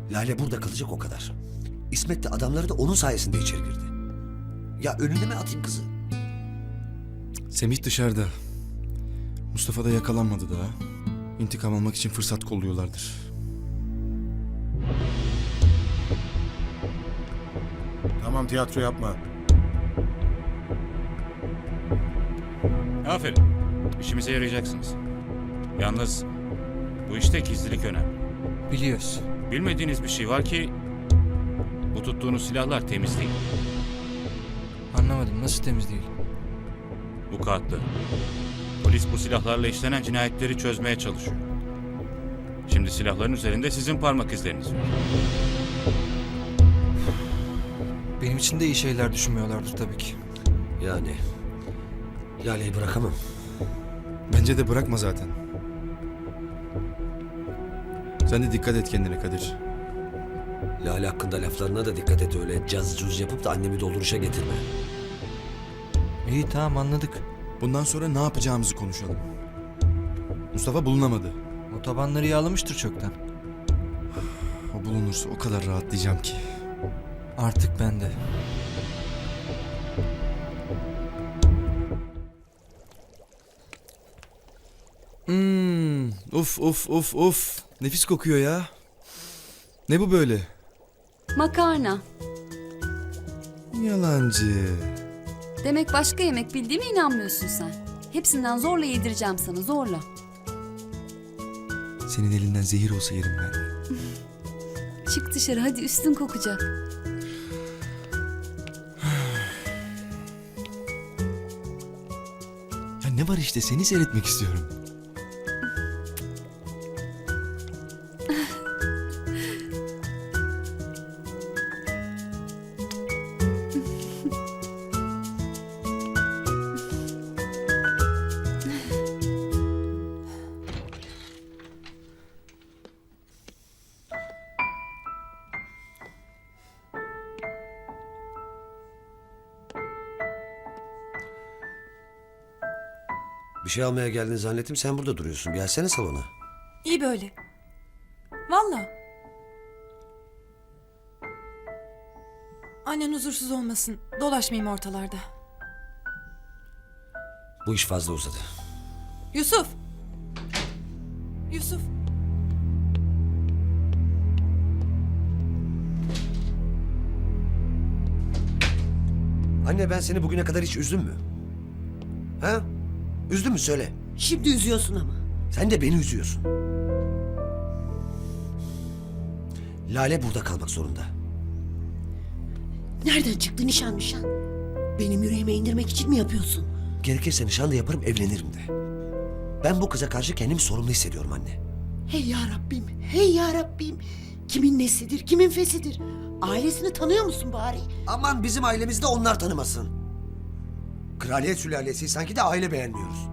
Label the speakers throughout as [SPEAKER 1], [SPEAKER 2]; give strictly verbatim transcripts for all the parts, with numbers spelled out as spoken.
[SPEAKER 1] Lale burada kalacak o kadar. İsmet de adamları da onun sayesinde içeri girdi. Ya önüne mi atayım kızı?
[SPEAKER 2] Semih dışarıda. Mustafa da yakalanmadı daha. İntikam almak için fırsat kolluyorlardır.
[SPEAKER 3] Tamam, tiyatro yapma.
[SPEAKER 4] Aferin. İşimize yarayacaksınız. Yalnız bu işte gizlilik önemli.
[SPEAKER 5] Biliyoruz.
[SPEAKER 4] Bilmediğiniz bir şey var ki bu tuttuğunuz silahlar temiz değil.
[SPEAKER 5] Anlamadım, nasıl temiz değil?
[SPEAKER 4] Bu kağıtlı. Polis bu silahlarla işlenen cinayetleri çözmeye çalışıyor. Şimdi silahların üzerinde sizin parmak izleriniz var.
[SPEAKER 5] Benim için de iyi şeyler düşünmüyorlardır tabii ki.
[SPEAKER 1] Yani Lale'yi bırakamam.
[SPEAKER 2] Bence de bırakma zaten. Sen de dikkat et kendine Kadir.
[SPEAKER 1] Lale hakkında laflarına da dikkat et, öyle caz cuz yapıp da annemi dolduruşa getirme.
[SPEAKER 5] İyi, tamam, anladık.
[SPEAKER 2] Bundan sonra ne yapacağımızı konuşalım. Mustafa bulunamadı.
[SPEAKER 5] O tabanları yağlamıştır çoktan.
[SPEAKER 2] O bulunursa o kadar rahatlayacağım ki.
[SPEAKER 5] Artık ben de.
[SPEAKER 2] Hmm, uf uf uf uf. Nefis kokuyor ya. Ne bu böyle?
[SPEAKER 6] Makarna.
[SPEAKER 2] Yalancı.
[SPEAKER 6] Demek başka yemek bildiğime inanmıyorsun sen. Hepsinden zorla yedireceğim sana, zorla.
[SPEAKER 2] Senin elinden zehir olsa yerim ben.
[SPEAKER 6] Çık dışarı hadi, üstün kokacak.
[SPEAKER 2] Ya ne var işte, seni seyretmek istiyorum.
[SPEAKER 1] Bir şey almaya geldiğini zannettim, sen burada duruyorsun. Gelsene salona.
[SPEAKER 7] İyi böyle. Valla. Annen huzursuz olmasın. Dolaşmayayım ortalarda.
[SPEAKER 1] Bu iş fazla uzadı.
[SPEAKER 7] Yusuf! Yusuf!
[SPEAKER 1] Anne, ben seni bugüne kadar hiç üzdüm mü? Ha? Üzdün mü söyle.
[SPEAKER 8] Şimdi üzüyorsun ama.
[SPEAKER 1] Sen de beni üzüyorsun. Lale burada kalmak zorunda.
[SPEAKER 8] Nereden çıktı nişan nişan? Benim yüreğime indirmek için mi yapıyorsun?
[SPEAKER 1] Gerekirse nişan da yaparım, evlenirim de. Ben bu kıza karşı kendimi sorumlu hissediyorum anne.
[SPEAKER 8] Hey ya Rabbim, hey ya Rabbim. Kimin nesidir, kimin fesidir? Ailesini tanıyor musun bari?
[SPEAKER 1] Aman bizim ailemizde onlar tanımasın. Kraliyet sülalesi, sanki de aile beğenmiyoruz.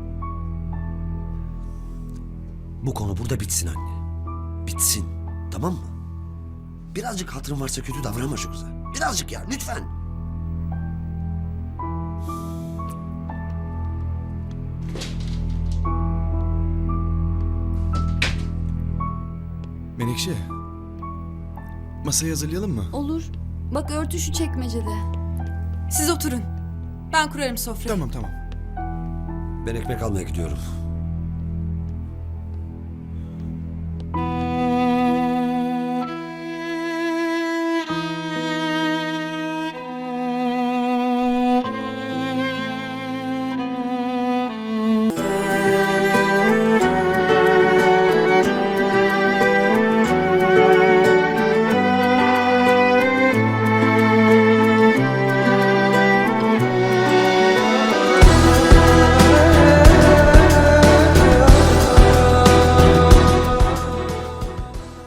[SPEAKER 1] Bu konu burada bitsin anne. Bitsin, tamam mı? Birazcık hatırın varsa kötü davranma şu kıza. Birazcık ya, lütfen.
[SPEAKER 2] Menekşe. Masayı hazırlayalım mı?
[SPEAKER 6] Olur. Bak örtü şu çekmecede.
[SPEAKER 7] Siz oturun. Ben kurarım sofrayı.
[SPEAKER 2] Tamam tamam.
[SPEAKER 1] Ben ekmek almaya gidiyorum.